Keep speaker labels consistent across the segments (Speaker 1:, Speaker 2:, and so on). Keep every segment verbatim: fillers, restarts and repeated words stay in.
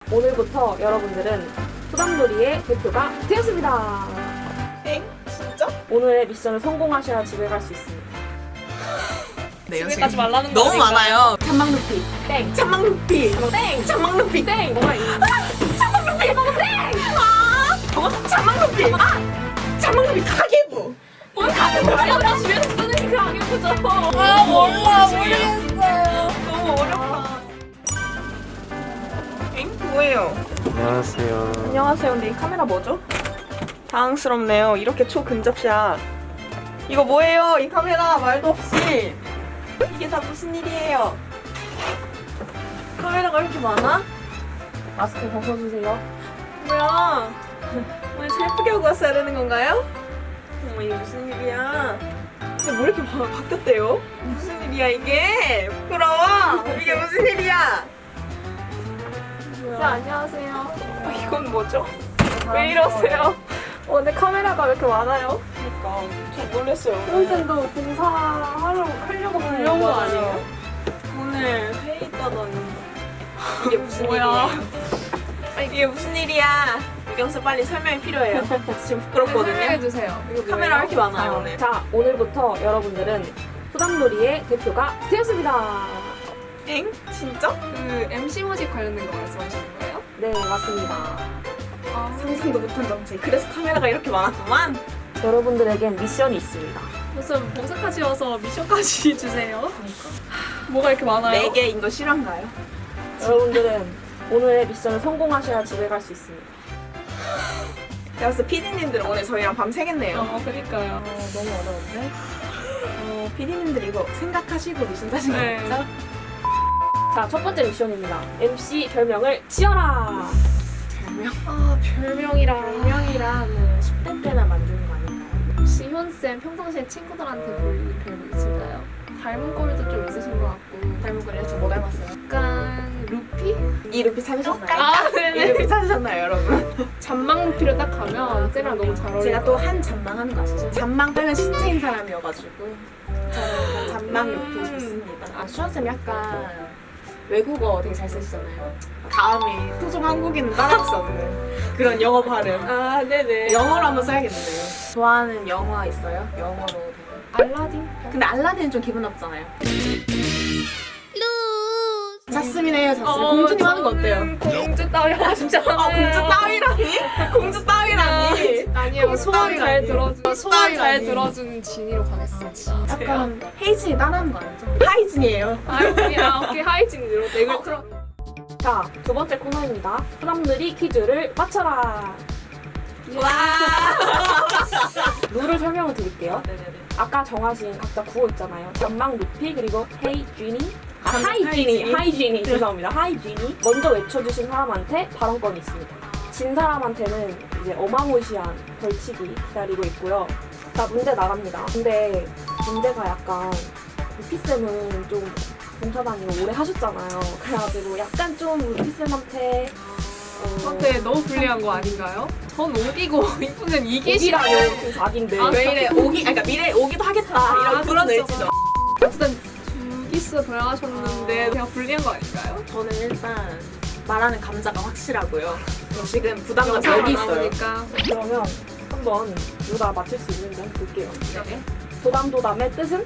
Speaker 1: 오늘부터 여러분들은 소담놀이의 대표가 되었습니다.
Speaker 2: 엥? 진짜?
Speaker 1: 오늘의 미션을 성공하셔야 집에 갈 수 있습니다.
Speaker 2: 네,
Speaker 3: 집에 가지 말라는 거
Speaker 2: 너무
Speaker 3: 아닌가요?
Speaker 2: 많아요.
Speaker 1: 찬망 루피 땡.
Speaker 2: 찬망 루피.
Speaker 1: 땡.
Speaker 2: 찬망 루피.
Speaker 1: 땡. 뭐가 있나?
Speaker 2: 찬망 루피. 찬망 땡. 아, 어? 찬망 루피. 아, 찬망 루피 가계부.
Speaker 1: 뭘 가는 거야? 집에서 쓰는 그 가격이죠.
Speaker 2: 아, 몰라 모르겠어요. 너무 어렵다. 엥? 뭐예요?
Speaker 4: 안녕하세요.
Speaker 2: 안녕하세요. 근데 이 카메라 뭐죠? 당황스럽네요. 이렇게 초근접샷. 이거 뭐예요? 이 카메라 말도 없이. 이게 다 무슨 일이에요? 카메라가 이렇게 많아?
Speaker 1: 마스크 벗어주세요.
Speaker 2: 뭐야? 오늘 잘 예쁘게 하고 왔어야 되는 건가요? 어머 이게 무슨 일이야? 근데 뭐 이렇게 바, 바뀌었대요? 무슨 일이야 이게? 부끄러워! 이게 무슨 일이야?
Speaker 1: 자, 안녕하세요.
Speaker 2: 아, 이건 뭐죠? 왜 이러세요?
Speaker 1: 어, 근데 카메라가 왜 이렇게 많아요?
Speaker 2: 그러니까 좀 놀랐어요.
Speaker 1: 선생도 봉사하러 하려고 불려온 거
Speaker 2: 맞아요.
Speaker 1: 아니에요?
Speaker 2: 오늘 회의 있다더니 이게 무슨
Speaker 1: 뭐야?
Speaker 2: 일이에요? 아, 이게 무슨 일이야? 유경수 빨리 설명이 필요해요. 지금 부끄럽거든요.
Speaker 3: 해주세요.
Speaker 2: 카메라 왜 이렇게 많아요 오늘?
Speaker 1: 자, 오늘부터 여러분들은 소담놀이의 대표가 되었습니다.
Speaker 2: 엥? 진짜?
Speaker 3: 그 엠씨 모집 관련된 거 말씀하시는 거예요?
Speaker 1: 네, 맞습니다.
Speaker 3: 아,
Speaker 2: 상상도 못한 정책. 그래서 카메라가 이렇게 많았구만.
Speaker 1: 여러분들에겐 미션이 있습니다.
Speaker 3: 무슨 봉사까지 와서 미션까지 주세요. 그러니까. 뭐가 이렇게 많아요?
Speaker 2: 네 개인 거 실화인가요?
Speaker 1: 여러분들은 오늘의 미션을 성공하셔야 집에 갈 수 있습니다.
Speaker 2: 제가 봤을 때 피디님들 오늘 저희랑 밤 새겠네요.
Speaker 3: 어, 그니까요.
Speaker 1: 어, 너무 어려운데?
Speaker 2: 어, 피디님들 이거 생각하시고 미션 따신
Speaker 3: 네.
Speaker 2: 거죠?
Speaker 1: 자, 첫 번째 미션입니다. 엠씨 별명을 지어라!
Speaker 2: 별명?
Speaker 3: 아, 별명이라.
Speaker 2: 별명이라는 십 대 때나 만드는 거 아닌가요?
Speaker 3: 혹시 효은쌤 평상시에 친구들한테 불리는 별명 있을까요? 닮은 꼴도 좀 있으신 것 같고.
Speaker 2: 닮은 거래요? 저 뭐 닮았어요?
Speaker 3: 약간 루피?
Speaker 2: 이 루피 찾으셨나요?
Speaker 3: 아,
Speaker 2: 이
Speaker 3: 네네.
Speaker 2: 루피 찾으셨나요 여러분?
Speaker 3: 잔망 루피를 딱 가면 쌤이랑 너무 잘 어울려요.
Speaker 2: 제가 또 한 잔망하는 거 아시죠? 잔망 빼면 신체인 사람이어가지고 저는 잔망 루피 좋습니다. 아 수현쌤 약간 외국어 되게 잘 쓰시잖아요. 다음이 토종 한국인 따라할 수 없는 그런 영어 발음.
Speaker 3: 아, 네네.
Speaker 2: 영어로 한번 써야겠는데요. 좋아하는 영화 있어요? 영어로 된.
Speaker 3: 알라딘?
Speaker 2: 근데 알라딘은 좀 기분 나쁘잖아요. 자스민이에요, 자스민. 공주님 하는 거 어때요?
Speaker 3: 공주 따위 하시잖아요.
Speaker 2: 아, 공주 따위라니? 공주 따위라니?
Speaker 3: 아니에요.
Speaker 2: 공주
Speaker 3: 소원이 잘
Speaker 2: 따위
Speaker 3: 들어준
Speaker 2: 아니에요?
Speaker 3: 소원이 잘
Speaker 2: 아니에요?
Speaker 3: 들어준 진이로 가겠습니다.
Speaker 2: 약간 헤이진이 따라하는 거 아니죠? 하이진이에요.
Speaker 3: 하이진이야. 오케이 하이진으로 내글
Speaker 2: 어,
Speaker 3: 틀어.
Speaker 1: 자, 두 번째 코너입니다. 소담놀이 퀴즈를 맞춰라!
Speaker 2: 와.
Speaker 1: 룰을 설명을 드릴게요.
Speaker 2: 네네네.
Speaker 1: 아까 정하신 각자 구호 있잖아요. 잔망 루피 그리고 헤이 쥐니 아,
Speaker 2: 잔-
Speaker 1: 하이 쥐니
Speaker 2: 하이지니.
Speaker 1: 하이 쥐니 죄송합니다. 하이 쥐니 먼저 외쳐주신 사람한테 발언권이 있습니다. 진 사람한테는 이제 어마무시한 벌칙이 기다리고 있고요. 자, 문제 나갑니다. 근데 문제가 약간 루피쌤은 좀 봉사다니고 오래 하셨잖아요. 그래가지고 약간 좀 루피쌤한테 어,
Speaker 3: 근데 너무 불리한 거 아닌가요? 전 오기고 이분은 이기시라요.
Speaker 1: 오기라뇨 지금 사기인데
Speaker 3: 아,
Speaker 2: 왜 이래? 오기, 아니, 그러니까 미래 오기도 하겠다.
Speaker 3: 아,
Speaker 2: 이런 그런
Speaker 3: 그렇죠.
Speaker 2: 의지죠.
Speaker 3: 어쨌든 두 기수 돌아가셨는데 제가 불리한 거 아닌가요?
Speaker 2: 저는 일단 말하는 감자가 확실하고요. 저 지금 부담감 여기 있어요.
Speaker 3: 나오니까.
Speaker 1: 그러면 한번 누가 맞출 수 있는지 한번 볼게요.
Speaker 2: 네.
Speaker 1: 도담도담의 뜻은?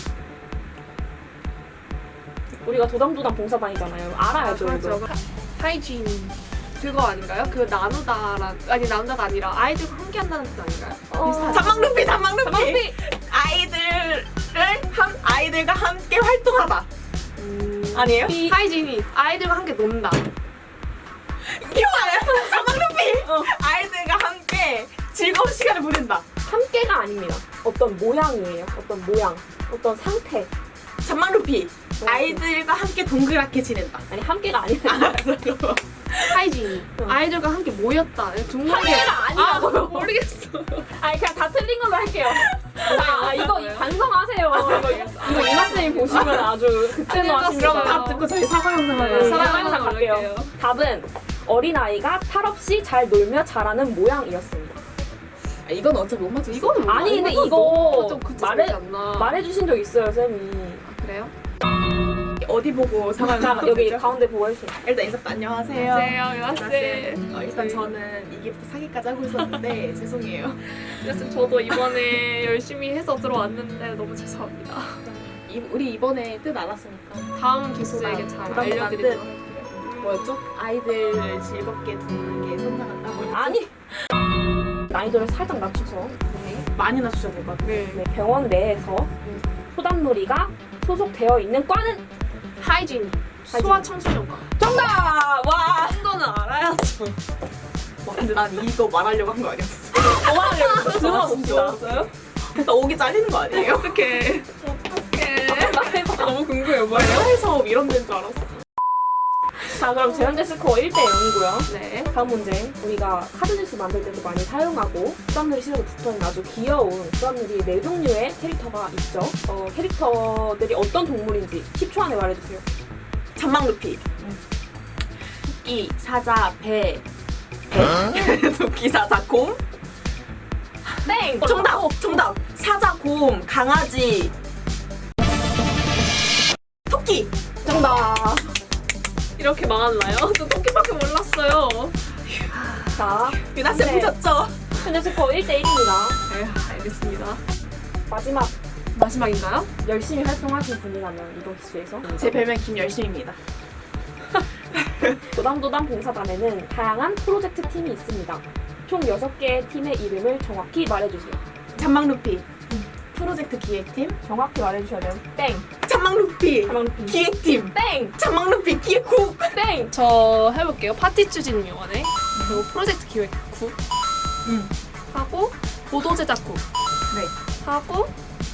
Speaker 1: 우리가 도담도담 봉사단이잖아요. 알아야죠, 이거.
Speaker 3: 하이진 그거 아닌가요? 그 나누다란 아니 나누다가 아니라 아이들과 함께 한다는 뜻 아닌가요?
Speaker 1: 어,
Speaker 2: 잔망 루피, 잔망 루피.
Speaker 1: 루피!
Speaker 2: 아이들을 한 아이들과 함께 활동하다.
Speaker 1: 음,
Speaker 2: 아니에요?
Speaker 1: 피-
Speaker 3: 하이진이 아이들과 함께 논다.
Speaker 2: 이거 알아요? 잔망 루피.
Speaker 1: 어.
Speaker 2: 아이들과 함께 즐거운 시간을 보낸다.
Speaker 1: 함께가 아닙니다. 어떤 모양이에요. 어떤 모양, 어떤 상태.
Speaker 2: 잔망 루피. 아이들과 함께 동그랗게 지낸다.
Speaker 1: 아니, 함께가 아니라.
Speaker 3: 하이진이
Speaker 1: 응.
Speaker 3: 아이들과 함께 모였다. 중간에
Speaker 1: 함께가 아니라고요.
Speaker 3: 아, 모르겠어.
Speaker 1: 아니, 그냥 다 틀린 걸로 할게요. 아, 아, 이거 반성하세요. 이거, 이거 이나쌤이 보시면 아주 그때는
Speaker 3: 아니,
Speaker 1: 하십니다.
Speaker 3: 그럼
Speaker 2: 답 듣고 저희 사과 영상
Speaker 1: 네,
Speaker 2: 하려고.
Speaker 1: 사과
Speaker 3: 사과
Speaker 1: 영상 갈게요.
Speaker 3: 올릴게요.
Speaker 1: 답은 어린아이가 탈 없이 잘 놀며 자라는 모양이었습니다.
Speaker 2: 아, 이건 어차피 못 맞췄어.
Speaker 3: 이거는
Speaker 1: 아니, 근데
Speaker 3: 이거
Speaker 1: 이거
Speaker 3: 좀 그치
Speaker 1: 말해-
Speaker 3: 않나?
Speaker 1: 말해주신 적 있어요, 쌤이.
Speaker 3: 아, 그래요?
Speaker 2: 어디 보고 사과를
Speaker 1: 자,
Speaker 2: 하는
Speaker 1: 여기
Speaker 2: 거죠?
Speaker 1: 가운데 보고 해주세요.
Speaker 2: 일단 인사부터 안녕하세요.
Speaker 3: 안녕하세요,
Speaker 2: 안녕하세요.
Speaker 3: 유아쌤.
Speaker 2: 어, 일단 저는 이기부터 사기까지 하고 있었는데 죄송해요.
Speaker 3: 유아쌤 저도 이번에 열심히 해서 들어왔는데 너무 죄송합니다.
Speaker 2: 이, 우리 이번에 뜻 알았으니까
Speaker 3: 다음 기수에게 잘
Speaker 2: 부담
Speaker 3: 알려드리도록
Speaker 2: 뜻.
Speaker 3: 할게요.
Speaker 2: 뭐였죠? 아이들을 즐겁게 두는 게 성장한다고
Speaker 1: 아니! 난이도를 살짝 낮춰서
Speaker 2: 네. 많이 낮추셔야 될 것 같아요.
Speaker 1: 네, 병원 내에서 소담놀이가 소속되어 있는 과는
Speaker 3: 하이진, 소아 청소년과.
Speaker 1: 정답! 와!
Speaker 3: 이거는 알아야죠.
Speaker 2: 와, 근데 난 이거 말하려고 한 거 아니었어.
Speaker 1: 뭐하려고
Speaker 2: 진짜
Speaker 1: 들어봅시다.
Speaker 2: 없어요? 나 오기 잘리는 거 아니에요?
Speaker 3: 어떡해. 어떡해.
Speaker 1: 말해봐.
Speaker 3: 너무 궁금해, 뭐예요?
Speaker 2: 사회사업 이런 데인 줄 알았어.
Speaker 1: 자, 그럼 제 현재 스코어 일 대 영이고요.
Speaker 3: 네.
Speaker 1: 다음 문제. 우리가 카드뉴스 만들 때도 많이 사용하고 수담놀이 실력이 붙어있는 아주 귀여운 수담놀이 네 종류의 캐릭터가 있죠. 어, 캐릭터들이 어떤 동물인지 십 초 안에 말해주세요.
Speaker 2: 잔망 루피. 토끼, 사자, 배. 배. 토끼, 사자, 곰.
Speaker 1: 땡!
Speaker 2: 정답! 정답! 사자, 곰, 강아지. 토끼!
Speaker 1: 정답!
Speaker 3: 이렇게 망했나요? 저 토끼밖에 몰랐어요.
Speaker 1: 자,
Speaker 2: 유나쌤
Speaker 1: 네.
Speaker 2: 보셨죠?
Speaker 1: 현재 스코어 일 대 일입니다.
Speaker 3: 네, 알겠습니다.
Speaker 1: 마지막
Speaker 3: 마지막인가요?
Speaker 1: 열심히 활동하신 분이라면 이번 기수에서
Speaker 2: 제 별명 김열심입니다.
Speaker 1: 도담도담 봉사단에는 다양한 프로젝트 팀이 있습니다. 총 여섯 개의 팀의 이름을 정확히 말해주세요.
Speaker 2: 잔망 루피. 프로젝트 기획팀.
Speaker 1: 정확히 말해주셔야 돼요. 땡!
Speaker 2: 잔망 루피.
Speaker 1: 자망루피.
Speaker 2: 기획팀.
Speaker 1: 땡!
Speaker 2: 잔망 루피 기획국.
Speaker 1: 땡!
Speaker 3: 저 해볼게요. 파티 추진위원회, 그리고 프로젝트 기획국,
Speaker 2: 음.
Speaker 3: 하고 보도 제작국,
Speaker 2: 네.
Speaker 3: 하고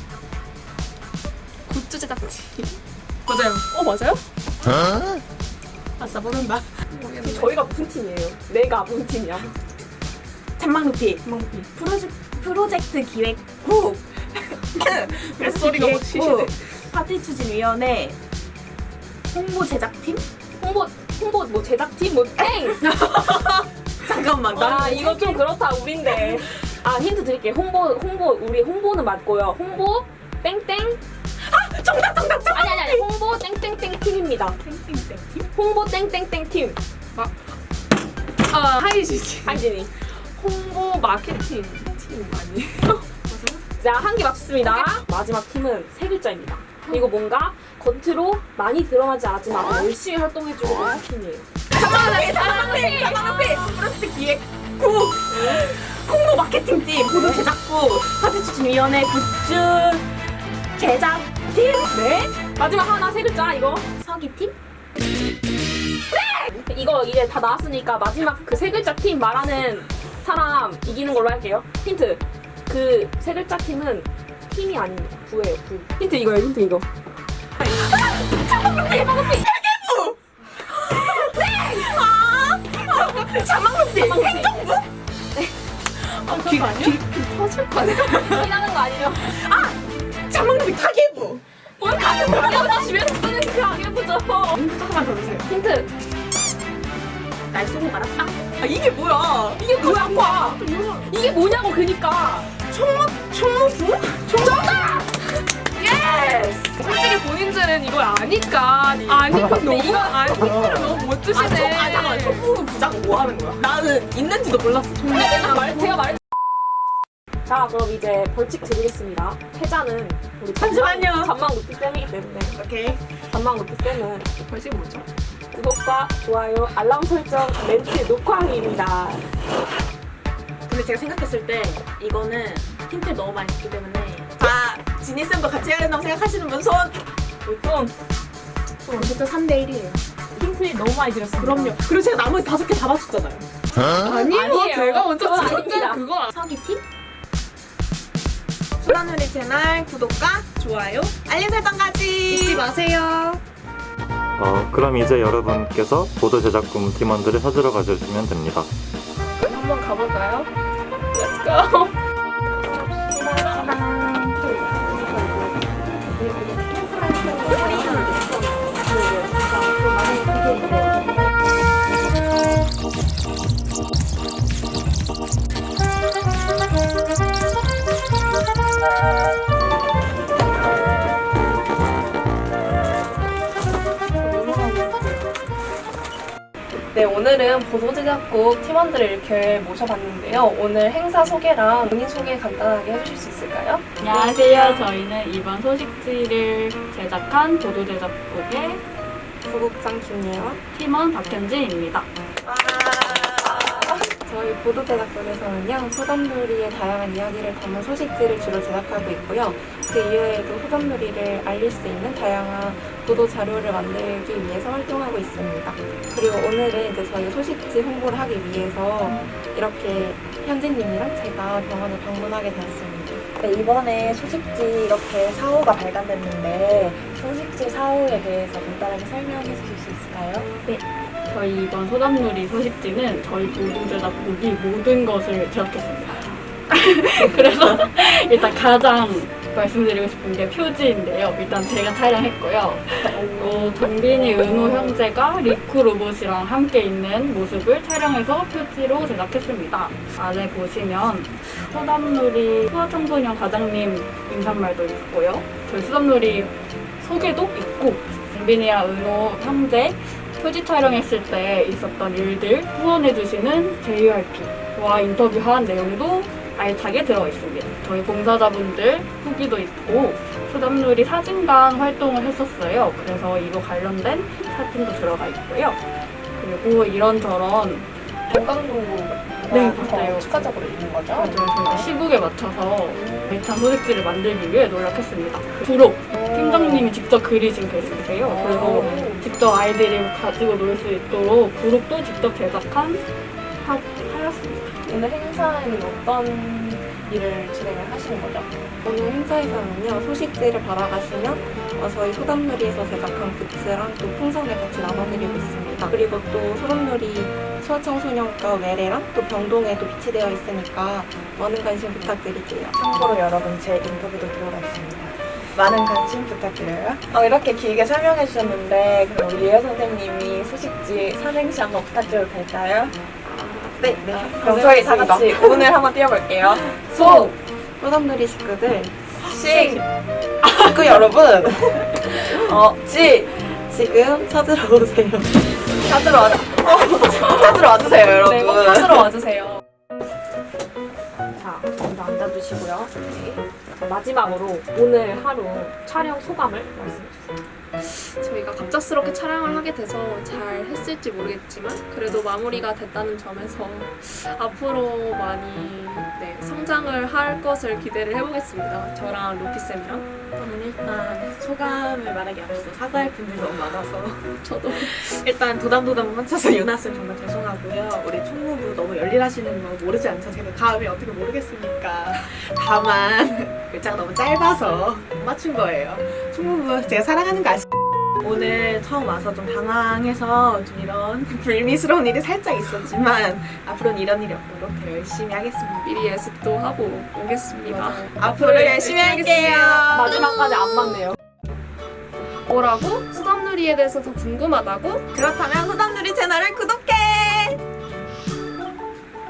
Speaker 3: 굿즈 제작팀.
Speaker 2: 맞아요.
Speaker 3: 어 맞아요?
Speaker 2: 아싸 모른다.
Speaker 1: 지금 저희가 무슨 팀이에요? 내가 무슨 팀이야?
Speaker 2: 잔망 루피.
Speaker 1: 자망루피.
Speaker 2: 프로젝트 프로젝트 기획국.
Speaker 3: 뱃소리가 막 시시네.
Speaker 2: 파티 추진위원회. 홍보 제작팀?
Speaker 1: 홍보, 홍보 뭐 제작팀 뭐 땡!
Speaker 2: 잠깐만.
Speaker 1: 아
Speaker 2: 나는
Speaker 1: 이거 좀 그렇다 우린데. 아 힌트 드릴게요. 홍보, 홍보, 우리 홍보는 맞고요. 홍보 땡땡.
Speaker 2: 정답 정답 정답.
Speaker 1: 아니 아니 아니. 홍보 땡땡땡 팀입니다.
Speaker 2: 땡땡땡 팀?
Speaker 1: 홍보 땡땡땡 팀.
Speaker 3: 아 하이지지.
Speaker 1: 한진이.
Speaker 3: 홍보 마케팅 팀 아니에요?
Speaker 1: 자, 한 개 맞췄습니다. 마지막 팀은 세 글자입니다. 이거 뭔가 겉으로 많이 드러나지 않았지만 열심히 활동해주고 있는 팀이에요.
Speaker 2: 잠깐만 잠깐만 잠깐만 프로젝트 기획국. 홍보 마케팅팀. 보도 제작국. 파티 추진위원회 굿즈 제작팀.
Speaker 1: 네. 마지막 하나 세 글자 이거.
Speaker 2: 서기팀.
Speaker 1: 이거 이제 다 나왔으니까 마지막 그 세 글자 팀 말하는 사람 이기는 걸로 할게요. 힌트. 그 세 글자 팀은 팀이 아닙니다. 부예요, 부. 힌트 이거예요, 힌트 이거.
Speaker 2: 잔망 루피. 행정부.
Speaker 3: 귀, 귀, 귀 터질 거 아니야?
Speaker 1: 티나는 거 아니죠?
Speaker 2: 잔망 루피 가계부.
Speaker 1: 뭘 가는 거야? 집에서 쓰는 그 아니었죠?
Speaker 2: 힌트 조금만 더 주세요.
Speaker 1: 힌트.
Speaker 2: 날 쏘고 말았다. 아 이게 뭐야?
Speaker 1: 이게 뭐야? 이게 뭐냐고 그니까.
Speaker 2: 총무 총무부?
Speaker 1: 정답! 예스!
Speaker 3: 솔직히 본인들은 이걸 아니까 아니까 너무
Speaker 1: 이거-
Speaker 3: 아니까 너무 못
Speaker 2: 아,
Speaker 3: 주시네.
Speaker 2: 총, 아 잠깐만 총무 부장 뭐 하는 거야? 나는 있는지도 몰랐어. 총무.
Speaker 1: 제가 말 제가 말. 자, 그럼 이제 벌칙 드리겠습니다. 패자는 우리
Speaker 2: 잠시만요.
Speaker 1: 잔망 루피 쌤이기 때문에
Speaker 2: 오케이.
Speaker 1: 잔망 루피 쌤은
Speaker 3: 벌칙 뭐죠?
Speaker 1: 구독과 좋아요, 알람 설정, 멘트 녹화하기입니다.
Speaker 2: 근데 제가 생각했을 때 이거는 힌트를 너무 많이 줬기 때문에 자 지니 쌤도 같이 해야 된다고 생각하시는 분 손.
Speaker 1: 좀
Speaker 2: 어쨌든 삼 대 일이에요.
Speaker 1: 힌트 너무 많이 드렸습니다.
Speaker 2: 그럼요. 그리고 제가 나머지 다섯 개 다 맞췄잖아요.
Speaker 3: 아니에요.
Speaker 1: 아니에요.
Speaker 3: 제가 먼저
Speaker 1: 그건
Speaker 3: 찍었잖아
Speaker 1: 아닙니다.
Speaker 3: 그거.
Speaker 2: 서기 팀. 수란누리 채널 구독과 좋아요, 알림 설정까지
Speaker 3: 잊지 마세요.
Speaker 4: 어, 그럼 이제 여러분께서 보도 제작품 팀원들을 찾으러 가주시면 됩니다.
Speaker 3: 한번 가볼까요? Let's go.
Speaker 5: 저희는 보도제작국 팀원들을 이렇게 모셔봤는데요. 오늘 행사 소개랑 본인 소개 간단하게 해주실 수 있을까요?
Speaker 6: 안녕하세요. 저희는 이번 소식지를 제작한 보도제작국의
Speaker 1: 부국장 김예원.
Speaker 6: 팀원 박현진입니다.
Speaker 7: 저희 보도제작국에서는요, 소담놀이의 다양한 이야기를 담은 소식지를 주로 제작하고 있고요. 그 이외에도 소담놀이를 알릴 수 있는 다양한 보도 자료를 만들기 위해서 활동하고 있습니다. 그리고 오늘은 이제 저희 소식지 홍보를 하기 위해서 이렇게 현진님이랑 제가 병원을 방문하게 되었습니다.
Speaker 2: 네, 이번에 소식지 이렇게 사호가 발간됐는데 소식지 사호에 대해서 간단하게 설명해 주실 수 있을까요?
Speaker 6: 저희 이번 소담놀이 소식지는 저희 보도제작국이 모든 것을 제작했습니다. 그래서 일단 가장 말씀드리고 싶은 게 표지인데요. 일단 제가 촬영했고요. 또 정빈이, 은호 형제가 리쿠 로봇이랑 함께 있는 모습을 촬영해서 표지로 제작했습니다. 안에 보시면 소담놀이 수화청소년 과장님 인사말도 있고요. 저희 소담놀이 소개도 있고 정빈이와 은호 형제 표지 촬영했을 때 있었던 일들 후원해주시는 제이알피와 인터뷰한 내용도 알차게 들어 있습니다. 저희 봉사자분들 후기도 있고 소담놀이 사진관 활동을 했었어요. 그래서 이거 관련된 사진도 들어가 있고요. 그리고 이런저런
Speaker 5: 건강정보가
Speaker 6: 네, 맞아요.
Speaker 5: 추가적으로 있는 거죠?
Speaker 6: 맞아요. 저희가 시국에 맞춰서 알찬 소식지를 만들기 위해 노력했습니다. 부록 팀장님이 직접 그리신 글씨세요. 그래서 직접 아이들이 가지고 놀 수 있도록 부록도 직접 제작한 하, 하였습니다.
Speaker 5: 오늘 행사에는 어떤 일을 진행을 하시는 거죠?
Speaker 7: 오늘 행사에서는요, 소식지를 받아가시면 어, 저희 소담놀이에서 제작한 굿즈랑 또 풍선을 같이 나눠드리고 있습니다. 그리고 또 소담놀이 소아청소년과 외래랑 또 병동에도 비치되어 있으니까 많은 관심 부탁드릴게요.
Speaker 2: 참고로 여러분 제 인터뷰도 들어가 있습니다. 많은 관심 부탁드려요. 어, 이렇게 길게 설명해 주셨는데 그럼 우리 예여 선생님이 소식지 삼행시 한번 부탁드려도 될까요?
Speaker 7: 네, 네.
Speaker 2: 그럼 저희 다 같이 오늘 한번 띄워볼게요. 소!
Speaker 7: 소담놀이 식구들,
Speaker 2: 식! 식구 여러분! 어, 지!
Speaker 7: 지금 찾으러 오세요.
Speaker 2: 찾으러 와, 어, 찾으러 와주세요, 여러분.
Speaker 5: 네, 꼭 찾으러 와주세요.
Speaker 1: 자, 먼저 앉아주시고요. 네. 자, 마지막으로 오늘 하루 촬영 소감을 말씀해주세요.
Speaker 3: 저희가 갑작스럽게 촬영을 하게 돼서 잘 했을지 모르겠지만 그래도 마무리가 됐다는 점에서 앞으로 많이 네, 성장을 할 것을 기대를 해보겠습니다. 저랑 루피쌤이랑.
Speaker 2: 저는 일단 소감을 말하기 앞서 사과할 분들이 너무 많아서
Speaker 3: 저도
Speaker 2: 일단 도담도담 혼자서 유나쌤 정말 죄송하고요. 우리 총무부 너무 열일하시는 거 모르지 않죠? 제가 감이 어떻게 모르겠습니까? 다만 글자가 너무 짧아서 못 맞춘 거예요. 총무부 제가 사랑하는 거 아시죠? 오늘 처음 와서 좀 당황해서 좀 이런 불미스러운 일이 살짝 있었지만 앞으로는 이런 일이 없도록 더 열심히 하겠습니다.
Speaker 3: 미리 예습도 하고 오겠습니다.
Speaker 2: 앞으로 열심히 할게요.
Speaker 1: 마지막까지 안 맞네요.
Speaker 3: 뭐라고? 수담놀이에 대해서 더 궁금하다고?
Speaker 2: 그렇다면 소담누리 채널을 구독!